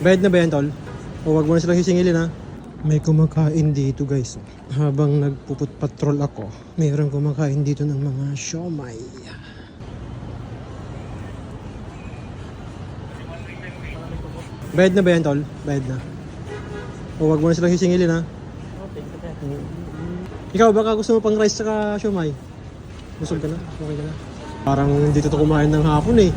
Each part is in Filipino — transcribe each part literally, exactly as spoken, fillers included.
Bayad na ba yan, tol? O wag mo na silang sisingilin, ha? May kumakain dito, guys. Habang nagpuput patrol ako, mayroong kumakain dito ng mga siomay. Bayad na ba yan, tol? Bayad na. O wag mo na silang sisingilin, ha? Ikaw, baka gusto mo pang rice saka siomay? Busog ka na? Okay ka na? Parang dito to kumain ng hapon, eh.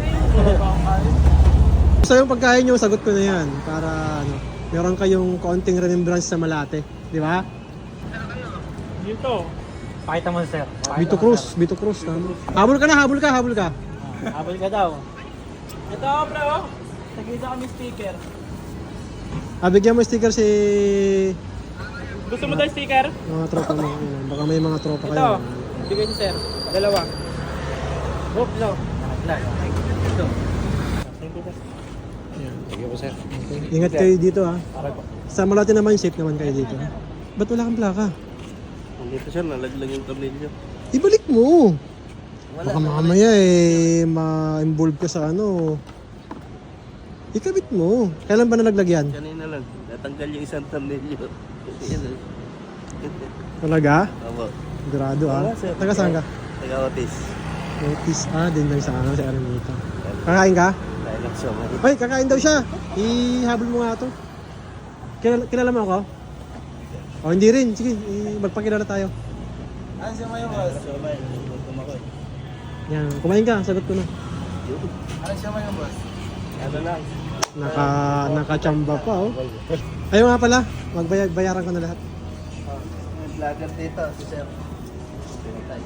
Gusto yung pagkain nyo, sagot ko na yan. Para, ano, meron kayong konting remembrance sa Malate. Di ba? Dito. Pakita mo, sir. Pakita Bito mo, Cruz, sir. Bito Cruz. Tama. Habol ka na, habol ka, habol ka. Habol ka daw. Ito, bro. Nagkita kami sticker. Ah, bigyan mo sticker si Gusto mo daw sticker? mga tropa mo. Ayun, baka may mga tropa Ito. kayo. Bigay si sir. Dalawa. Hope, no. Ito. Thank you, sir. Thank you, sir. Okay. Ingat kayo dito, ha. Para po. Sa Malate naman, safe naman kayo dito. Ha? Ba't wala kang plaka? Dito siya, nalaglag yung tornilyo. Ibalik mo. Wala. Baka mamaya eh, ma-involve ka sa ano. Ikabit mo. Kailan ba nalaglag yan? Kanina lang, natanggal yung isang tornilyo. Yan eh. Talaga? Opo. Sigurado, ha. Wala, sir. Taga saan ka? Taga-Otis. Otis, ah, din lang sa ano, si Aranita. Kakain ka? Dahil lang siya. Ay, kakain daw siya. Ihabol mo nga to. Kilala, kilala mo ako? O, hindi rin. Sige, i- magpakilala tayo. Ah, siya may boss. Siya may, gutom ako eh. Yan, kumain ka, sagot ko na. Ano siya may boss? Ano lang. Naka, nakachamba pa, oh. Ayaw nga pala, magbayaran ko na lahat. May vlogger dito, si Sir. Pinatay.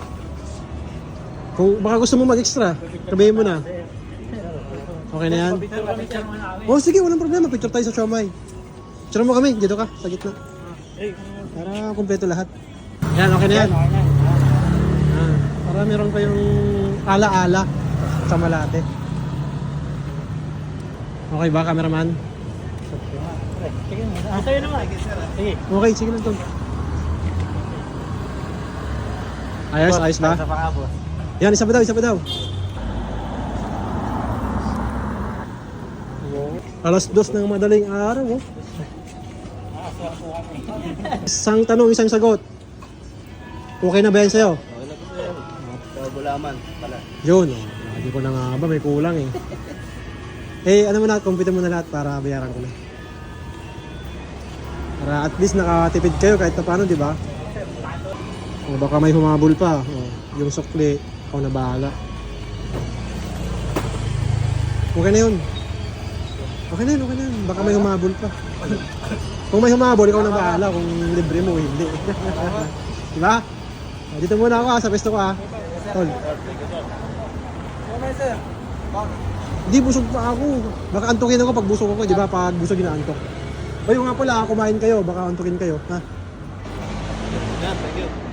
Kung baka gusto mo mag-extra, sabihin mo na. Okay na yan? Picture kami, sir. Muna kami. Oh, sige, walang problema. Picture tayo sa Siomay. Picture mo kami, dito ka, sa gitna. Eh, Para kumpleto lahat. Yan, okay na yan. okay na. Ah, para meron pa yung ala-ala sa Malate. Okay ba, cameraman? Sige, ah, sa'yo naman. Sige. Okay, sige lang to. Ayos, ayos ba? Sa panga, boss. Yan, isa pa daw, isa pa daw. Alas dos ng madaling araw, oh. Isang tanong, isang sagot. Okay na ba yan sa'yo? Okay na po sir. Kabulaman pala. Yun, oh. Hindi ko na nga ba, may kulang eh. Eh, ano mo na, compute mo na lahat para bayaran ko na. Para at least nakatipid kayo kahit na paano, di ba? O baka may humabol pa. O, yung sukli, ako na bahala. Okay na yun. Okay na yun, okay na yun. Baka may humabol pa. Kung may humabol, ikaw na bahala kung libre mo, hindi. Diba? O, dito muna ako ha, sa pesto ko ha. Tol. Okay sir. Hindi, busog pa ako. Baka antukin ako pag busog ako, di ba? Pag busog inaantok. O yung nga pala, kumain kayo, baka antukin kayo. Ha? Yeah, thank you.